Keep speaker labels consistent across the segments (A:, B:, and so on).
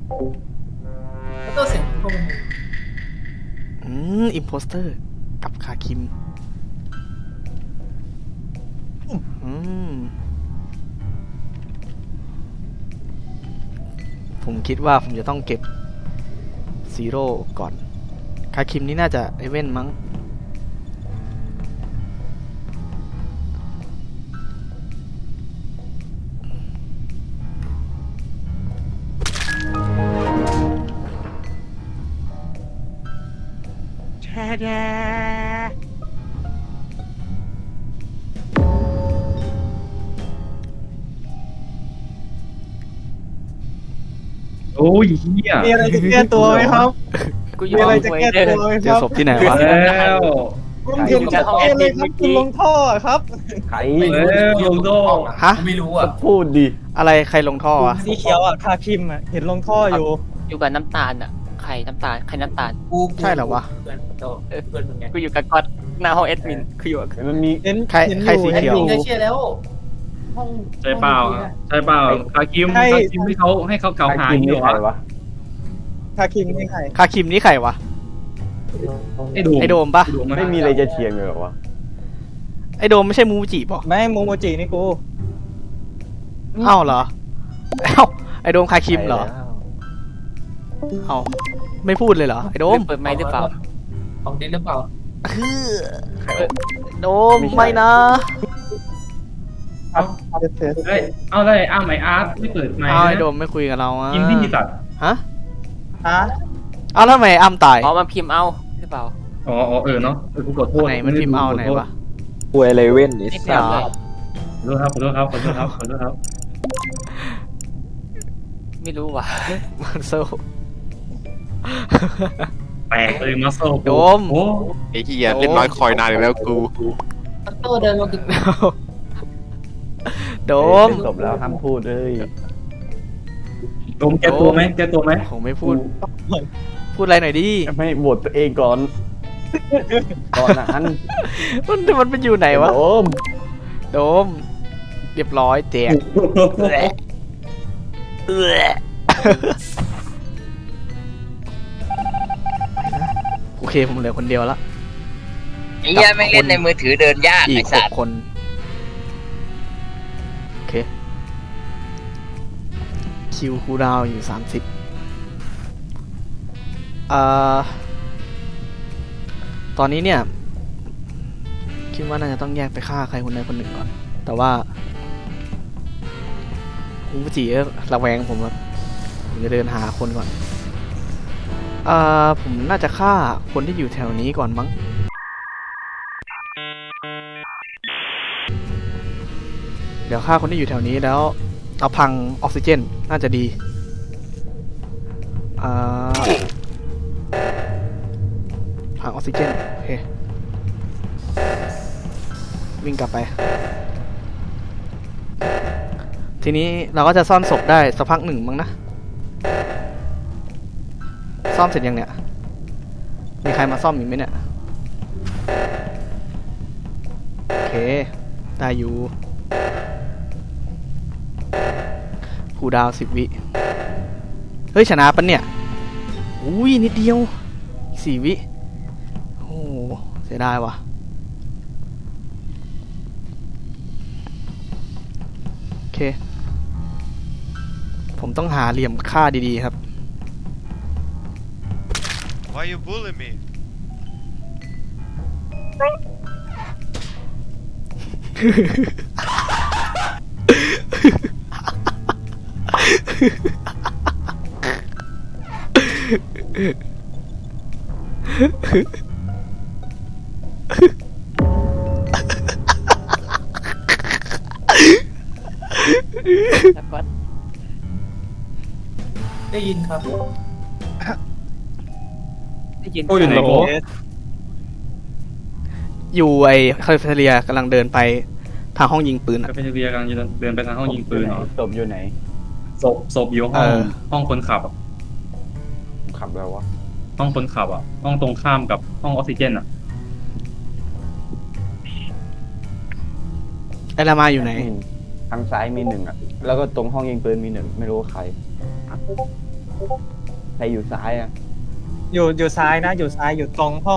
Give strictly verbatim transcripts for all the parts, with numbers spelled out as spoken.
A: แล้วตัวเสียงพวกมัน
B: อืมอิมโพสเตอร์กับคาคิมอืมผมคิดว่าผมจะต้องเก็บซีโร่ก่อนคาคิมนี่น่าจะเอเว่นมั้ง
C: แช่แดโอ้ยเฮีย
D: มีอะไรจะแก้ตัวไหมครับ
E: กูอ
D: มี
E: ยู่
D: อะไรจะแก้ตัวไหม
B: เจ
D: ค
B: อ
D: รับ
B: ศพที่ไหนวะ
C: แล้ว
D: ผมเห็นชัดเจนเลยครับคุณลงท่อครับ
F: ใคร
C: แล้วลงโด
B: ฮะ
A: ไม่รู้อ่ะ
F: พูดดิ
B: อะไรใครลงท่อวะ
D: สีเขียวอ่ะคาคิมอ่ะเห็นลงท่ออยู่
E: อยู่กับน้ำตาลอ่ะใครน้ำตาลใครน้ำตาล
A: กู
B: ใช่เหรอวะ
A: เพื่อนโตเพื่อนมึงไง
E: กูอยู่กับก๊อตหน้าห้องแอดมินกูอยู่กับ
F: มันมี
D: เห็น
B: ใคร
D: เห็นอ
B: ใครสี
D: ยู่
B: เขียว
D: ห็น
A: เค
D: อย
A: เชื่อแล้วห้อง
C: ใช่เปล่าใช่เปล่าคาคิมคาคิมให้เขาให้เขาเกล่าวหา
F: ใคร
C: อยู่
F: นี่ใคร
C: วะ
F: วะ
D: คาคิมนี่ใคร
B: คาคิมนี่ใครวะ
C: ไอ้โดม
B: ไอโดมปะ
F: ไม่มีอะไรจะเถียงเลยเหรอวะ
B: ไอโดมไม่ใช่มูจิปะ
D: ไม่โมโมจินี่กู
B: เอ้าเหรอเอ้าไอโดมคาคิมเหรอเอ้าไม่พูดเลยเหรอไอโดม
E: เปิดไมค์หรือเปล่า
A: ของดินหรือเปล่า
B: คือโดมไม่นะ
C: เอาเอ้ยเอาได้อ้าวไมอาร์ตไม่เปิดไมค์
B: เอาไอ
C: นะ
B: โดมไม่คุยกับเราอ่ะ
C: กินที่สัตว์
B: ฮะ
D: ฮะ
B: เอาแล้วทำไมอ้ำตาย
E: อ๋อมาพิมพ์เอาหรือเปล่า
C: อ๋ออ๋อเออเนาะเออกูขอโทษ
B: ไหนมันพิมพ์เอาไหนวะ
F: ป่วยอะไรเว้นนี่
E: นี่เปล่าเลย
C: ขอโทษครับขอโทษครับขอโทษครับขอโทษครับ
E: ไม่รู้ว่ะ
B: มันโซ
C: แปลกเลยมาโซ่
B: โดม
C: โอ้
G: ไอ้เหี้ยเล่นน้อยคอยนานอีกแล้วกู
A: โตเดินมาถึง
B: โดม
F: จบแล้วห้ามพูดเลย
C: โดมแกตัวไหมแกตัวไหม
B: ผมไม่พูด พูดอะไรหน่อยดิ
F: ไม่บทตัวเองก่อน ก่อนนั้น
B: มันมันเป็นอยู่ไหนวะ
F: โอม
B: โดม เรียบร้อยแจกแหละเอื้อโอเคผมเหลือคนเดียวละ
H: ไอ้เหี้ยไม่งเล่นในมือถือเดินยาก
B: อี
H: ไอ้
B: กห
H: สั
B: ก
H: ตว์
B: คนโอเคคิวคูลดาวน์อยู่สามสิบอ่าตอนนี้เนี่ย คิดว่าน่าจะต้องแยกไปฆ่าใครคนใดคนหนึ่งก่อน แต่ว่าคุณผู้จีระแวงผมครับผมจะเดินหาคนก่อนอ่าผมน่าจะฆ่าคนที่อยู่แถวนี้ก่อนมั้งเดี๋ยวฆ่าคนที่อยู่แถวนี้แล้วเอาพังออกซิเจนน่าจะดีอ่าพังออกซิเจนโอเควิ่งกลับไปทีนี้เราก็จะซ่อนศพได้สักพักหนึ่งมั้งนะซ่อมเสร็จยังเนี่ยมีใครมาซ่อมอีกไหมเนี่ยโอเคได้อยู่ผู้ดาวสิบวิเฮ้ยชนะปะเนี่ยอุ้ยนิดเดียวสี่วิโอ้เสียดายว่ะโอเคผมต้องหาเหลี่ยมค่าดีๆครับ
G: Why you bully me
E: แล้วก๊อต
A: ได้ยินครับ
E: ได้ยิน
C: โอ้อยู่ไหนโก้
B: อยู่ไอ้คาลิฟอร์เนียกำลังเดินไปทางห้องยิงปืน
C: ก็
B: อะ
C: เป็นเรียกำลังเดินไปทางห้องยิงปืนเหรอ
F: ศพอยู่ไหน
C: ศพศพอยู่ห้
B: เอ
C: อง
B: อ
C: ห้องคนขับอะ
F: ขับแล้ววะ
C: ห้องคนขับอ่ะห้องตรงข้ามกับห้องออกซิเจนอ่ะ
B: ไอ้ลามาอยู่ไหน
F: ทางซ้ายมีหนึ่งอ่ะ แล้วก็ตรงห้องยิงปืนมีหนึ่งไม่รู้ว่าใครใครอยู่ซ้ายอ่ะ
D: อยู่อยู่ซ้ายนะ อยู่ซ้ายอยู่ตรงห้อง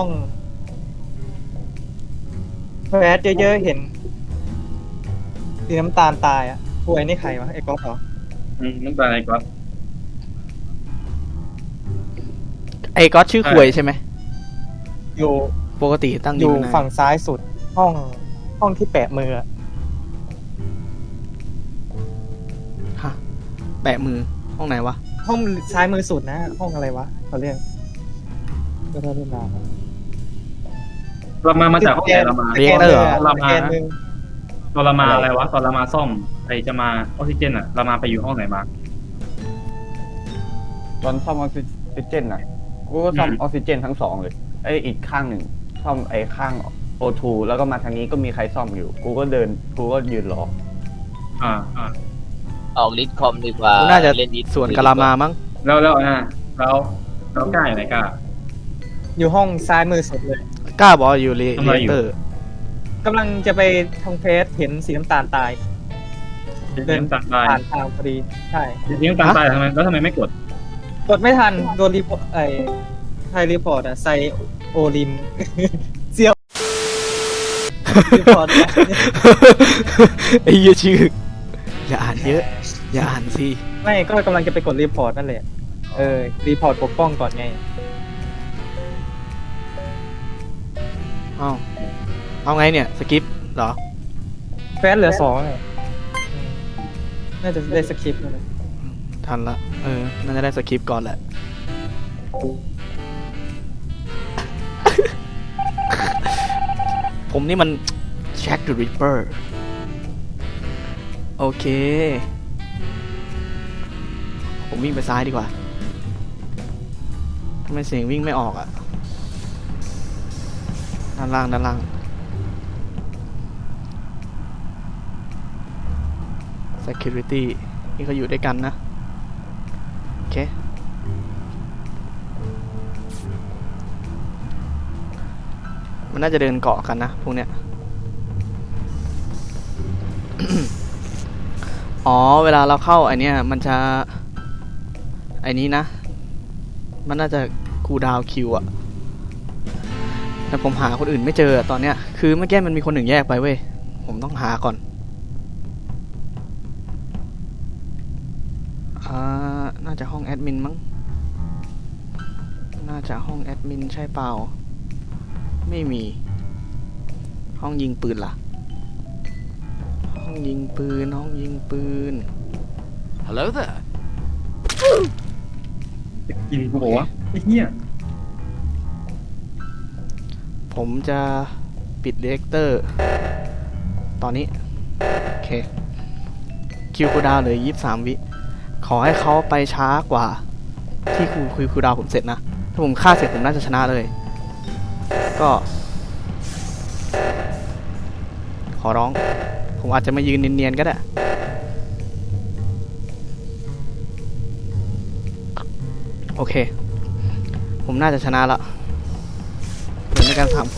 D: แฟดเยอะๆเห็นสีน้ำตาลตายอ่ะป่วยนี่ใครวะไอ้ก๊อฟเหรอ
C: อืมน้ำตาลไอ้ก๊อต
B: ไอ้ก๊อตชื่อควยใช่ไหม
D: อยู่
B: ปกติตั้ง
D: อ
B: ยิง
D: ยู่
B: มานาน
D: ฝั่งซ้ายสุดห้องห้องที่แปะมืออะ
B: ฮะแปะมือห้องไหนวะ
D: ห้องซ้ายมือสุดนะ ห้องอะไรวะเขาเรียกก็ได้เวลา
C: เรามามาจากห้องไหนเรามา
B: เรียกได้เหรอ
C: เรามา
D: สแกนมือ
C: ตอนเรามาอะไรวะตอนเรามาซ่อมไอจะมาออกซิเจนอ่ะเรามาไปอยู่ห้องไหนมา
F: ตอนซ่อมออกซิเจนอ่ะกูก็ซ่อมออกซิเจนทั้งสองเลยไอ้อีกข้างหนึ่งซ่อมไอ้ข้างโอทูแล้วก็มาทางนี้ก็มีใครซ่อมอยู่ กูก็เดินกูก็ยืนรอ
C: อ่าอ่า
H: ออกลิสคอมดีกว่า
B: กูน่าจะ
H: เล่นดิส
B: ส่วนกะลามามั้ง
C: แล้วแล้วอ่ะแล้วแล้วกล้าอยู่ไหนกล้า
D: อยู่ห้องซ้ายมือสุดเลย
B: กล้าบอกอยู่เร
C: ทำไมอยู่
B: เตอร์
D: กำลังจะไปทางเฟสเห็นสีน้ำตาลตาย
C: เดินตัดตาย
D: ผ่านทางพอดีใช่
C: เลี้ยงตัดตายทำไมแล้วทำไมไม่กด
D: กดไม่ทันโดนรีพอร์ตไอ้ไทยรีพอร์ตอะไซโอลิน เซียวรีพอร์ต
B: ไอ้เหี้ยชื่อ อย่าอ่านเยอะ อย่าอ่านสิ
D: ไม่ก็กำลังจะไปกดรีพอร์ตนั่นแหละเออรีพอร์ตปกป้องก่อนไง
B: เอ้าเอาไงเนี่ยสกิปเหรอ
D: แฟสเหลือสองเลยอืมน่าจะได้สคริปต์แล้วนะ
B: ทันละ เออ น่าจะได้สคริปต์ก่อนแหละ ผมนี่มันแจ็คเดอะริปเปอร์ โอเค ผมวิ่งไปซ้ายดีกว่าทำไมเสียงวิ่งไม่ออกอะด้านล่างด้านล่าง security นี่เขาอยู่ด้วยกันนะ โอเค มันน่าจะเดินเกาะกันนะพวกเนี้ย อ๋อ เวลาเราเข้าไอเนี้ยมันจะไอนี้นะ มันน่าจะคูลดาวน์คิวอะแต่ผมหาคนอื่นไม่เจออะตอนเนี้ย คือเมื่อกี้มันมีคนหนึ่งแยกไปเว้ย ผมต้องหาก่อน อ่า น่าจะห้องแอดมินมั้ง น่าจะห้องแอดมินใช่เปล่า ไม่มี ห้องยิงปืนล่ะ ห้องยิงปืน ห้องยิงปืน
G: Hello there
C: จะกินกูบอกว่าไอ้เหี้ย
B: ผมจะปิดเดเรคเตอร์ ตอนนี้ โอเค คิวคูลดาวน์เหลือยี่สิบสามวิ ขอให้เขาไปช้ากว่า ที่คูคุยคูลดาวน์ผมเสร็จนะ ถ้าผมฆ่าเสร็จผมน่าจะชนะเลย ก็ ขอร้อง ผมอาจจะมายืนเนียนๆก็ได้ โอเค ผมน่าจะชนะละเหลือในการสามคน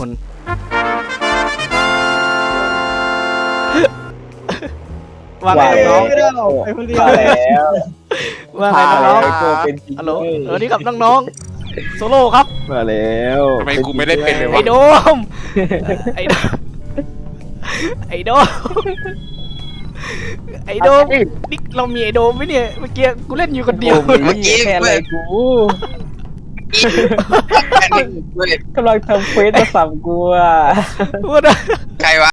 B: ว่าไงน้อง
D: ไม่ได้เอาไปคนเดียว
F: มาแล้ว
B: ว่าไงน้อง
F: ตัวเป็นจริง
B: ฮัลโหลสวัสดีครับน้องๆโซโล่ครับ
F: มาแล้ว
G: ทำไมกูไม่ได้เป็นเลยวะ
B: ไอ้โดม ไอ้โดม ไอ้โดม ไอ้โดม นี่เรามีไอ้โดมไหมเนี่ย เมื่อกี้กูเล่นอยู่คนเดียว
F: โอ้โหแค่อะไรกู
H: เว้ย
F: กำลังทำเฟซมาสั่งกูอ่ะ
B: พูดอะ
H: ใครวะ